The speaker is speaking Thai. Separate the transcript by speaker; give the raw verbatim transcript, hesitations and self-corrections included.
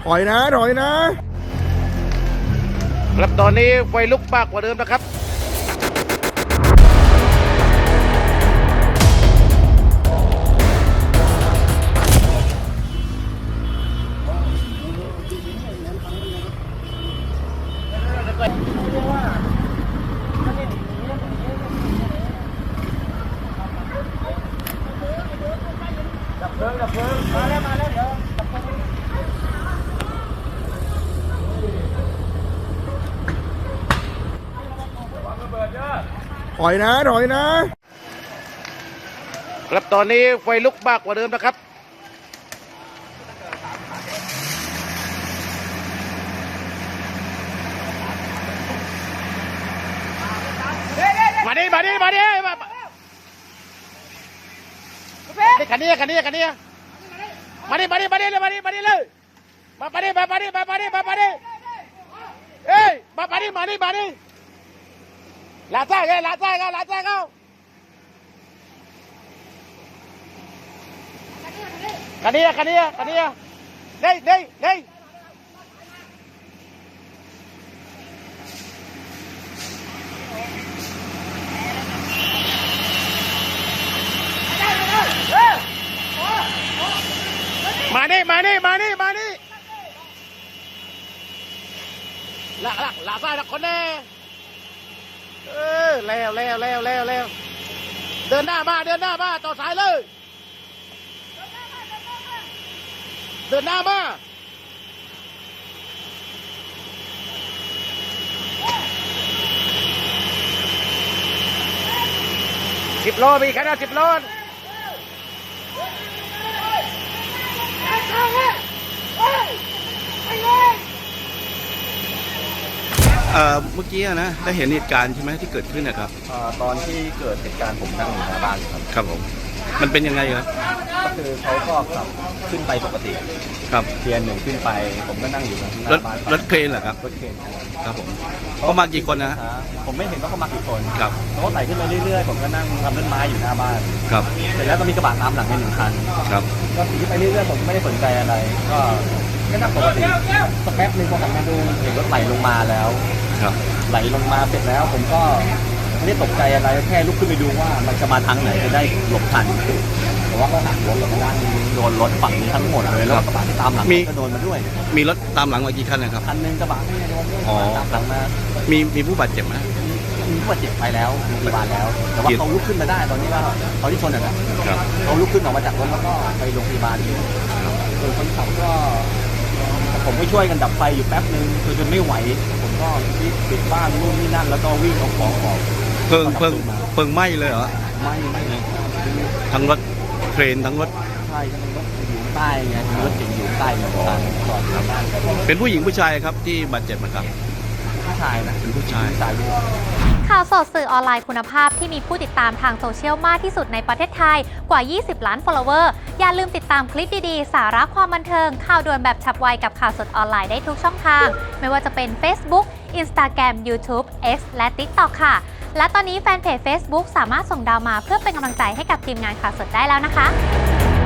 Speaker 1: ถอยนะถอยนะครับตอนนี้ไฟลุกมากกว่าเดิมนะครับดับเพลิงดับเพลิงมาแล้วมาแล้วเดี๋ยวถอยนะถอยนะครับตอนนี้ไฟลุกมากกว่าเดิมนะครับมาดิมาดิมาดิมาคันนี้คันนี้คันนี้มาดิมาดิมาดิเลยมาดิมาดิเลยมาปาดิมาปาดิมาปาดิมาปาดิเอ้ยมาปาดิมาดิมาดิลาซ่าไงลาซ่าไงลาซ่าเขาคันนี้คันนี้คันนี้เด้เด้เด้มานี่มานี่มานี่มานี่ละละลาซ่าละคนแน่เออแล้วแล้วแล้วแล้วแล้วเดินหน้ามาเดินหน้ามาต่อสายเลยเดินหน้ามาสิบโลมีแค่นั้นสิบโล
Speaker 2: เอ่อเมื่อกี้นะได้เห็นเหตุการณ์ใช่ไหมที่เกิดขึ้นนะครับ
Speaker 3: ตอนที่เกิดเหตุการณ์ผมนั่งอยู่หน้าบ้านครับ
Speaker 2: ครับผมมันเป็นยังไงครับ
Speaker 3: ก็คือเขาก็ขับขึ้นไปปกติ
Speaker 2: ครับ
Speaker 3: เทียนหนึ่งขึ้นไปผมก็นั่งอยู่หน้าร
Speaker 2: ถ
Speaker 3: บ้าน
Speaker 2: รถเครนเหรอครับ
Speaker 3: รถเคน
Speaker 2: ครับผมเขามากี่คนนะฮะ
Speaker 3: ผมไม่เห็นว่าเขามากี่คน
Speaker 2: ครับ
Speaker 3: เขาก็ไต่ขึ้นไปเรื่อยๆผมก็นั่งทำต้นไม้อยู่หน้าบ้าน
Speaker 2: ครับ
Speaker 3: เสร็จแล้วก็มีกระบะตามหลังไปหนึ่งคัน
Speaker 2: ครับ
Speaker 3: ก็ขี่ไปเรื่อยๆผมไม่ได้สนใจอะไร ก็ก็นั่งปกติสักแป๊บนึงพอหันมาดูเห็นรถไหลลงมาแล้ว
Speaker 2: ครับ
Speaker 3: ไหลลงมาเสร็จแล้วผมก็ไม่ได้ตกใจอะไรแค่ลุกขึ้นไปดูว่ามันจะมาทางไหนจะได้หลบทันแต่ว่าก็หักรถหลบด้านโดนรถฝั่งนี้ทั้งหมดเลยแล้วกระบะที่ตามหลังก็โดนมาด้วย
Speaker 2: มีรถตามหลังมากี่คันนะครับ
Speaker 3: คันนึงกระบะที่โดน
Speaker 2: อ๋อ
Speaker 3: ตามหลังมา
Speaker 2: มีมีผู้บาดเจ็บไหม
Speaker 3: มีผู้บาดเจ็บไปแล้วโรงพยาบาลแล้วแต่ว่าเขาลุกขึ้นมาได้ตอนนี้ว่าเขาที่ชนอ่ะนะครับ เขาลุกขึ้นออกมาจากรถแล้วก็ไปโรงพยาบาลส่วนคนขับก็ผมก็ช่วยกันดับไฟอยู่แป๊บนึงคือจนไม่ไหวผมก็ปิดบ้านนู่นนี่นั่นแล้วก็วิ่งเอาของออก
Speaker 2: เพิ่งเพิ่งเพิ่งไหม้เลยเหรอ
Speaker 3: ไม่ไม่เลย
Speaker 2: ทั้งรถเครนทั้งรถ
Speaker 3: ใช่ทั้งรถอยู่ใต้ไงรถเก๋งอยู่ใต้เหมือนกันจอดครับ
Speaker 2: เป็นผู้หญิงผู้ชายครับที่บาดเจ็บนะครับ
Speaker 3: ผู้ชายนะ
Speaker 2: เป็นผู้ชาย
Speaker 3: ผู้ชายด้วย
Speaker 4: ข่าวสดสื่อออนไลน์คุณภาพที่มีผู้ติดตามทางโซเชียลมากที่สุดในประเทศไทยกว่า ยี่สิบ ล้าน follower อย่าลืมติดตามคลิปดีๆ สาระความบันเทิง ข่าวด่วนแบบฉับไวกับข่าวสดออนไลน์ได้ทุกช่องทาง ไม่ว่าจะเป็น Facebook Instagram YouTube X และ TikTok ค่ะ และตอนนี้แฟนเพจ Facebook สามารถส่งดาวมาเพื่อเป็นกำลังใจให้กับทีมงานข่าวสดได้แล้วนะคะ